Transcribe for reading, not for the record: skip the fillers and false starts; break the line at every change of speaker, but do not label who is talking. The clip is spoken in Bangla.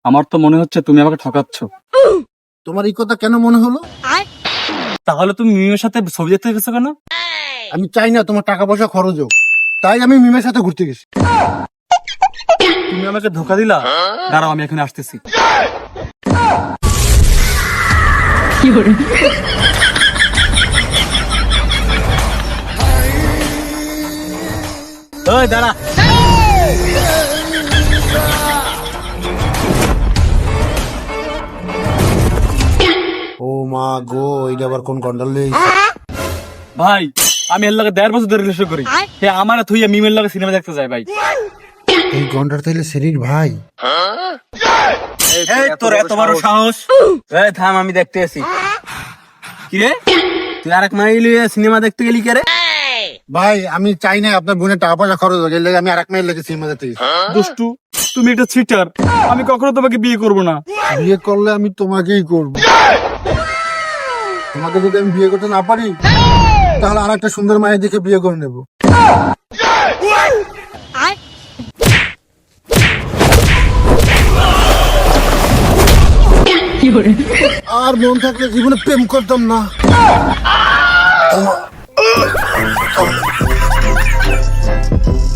আমার তো মনে হচ্ছে তুমি আমাকে ঠকাচ্ছ।
তোমার এই কথা কেন মনে হলো?
তাহলে তুমি মিমের সাথে ছবি দেখতে গেছো কেন?
আমি চাই না তোমার টাকা পয়সা খরচ হোক, তাই আমি মিমের সাথে ঘুরতে গেছি।
তুমি আমাকে ধোকা দিলা। দাঁড়াও, আমি এখানে আসতেছি। ওই দাঁড়া।
ও মা গো, এটা আবার কোন গন্ডাল লেগে
ভাই, আমি এর লগে 1.5 বছর ধরে রিলেশন করি। হে আমার থুইয়া মিমের লগে সিনেমা দেখতে যায় ভাই।
এই গন্ডার তাইলে শরীর ভাই?
এই তোর এত বড় সাহস! এই থাম, আমি দেখতে আছি। কি রে, তুই আরেক মাইল সিনেমা দেখতে গেলি কে রে?
ভাই আমি চাই না আপনার বোনের টাকা পয়সা খরচ হোক, এর লেগে আমি আরেক মেয়ের লেগে সিনেমা দেখতে গেছি।
দুষ্টু, তুমি একটা চিটার। আমি কখনো তোমাকে বিয়ে করব না।
বিয়ে করলে আমি তোমাকেই করব। তোমাকে যদি আমি বিয়ে করতে না পারি, তাহলে আর একটা সুন্দর মায়ের দেখে বিয়ে করে নেব। আর মন থাকলে জীবনে প্রেম করতাম না।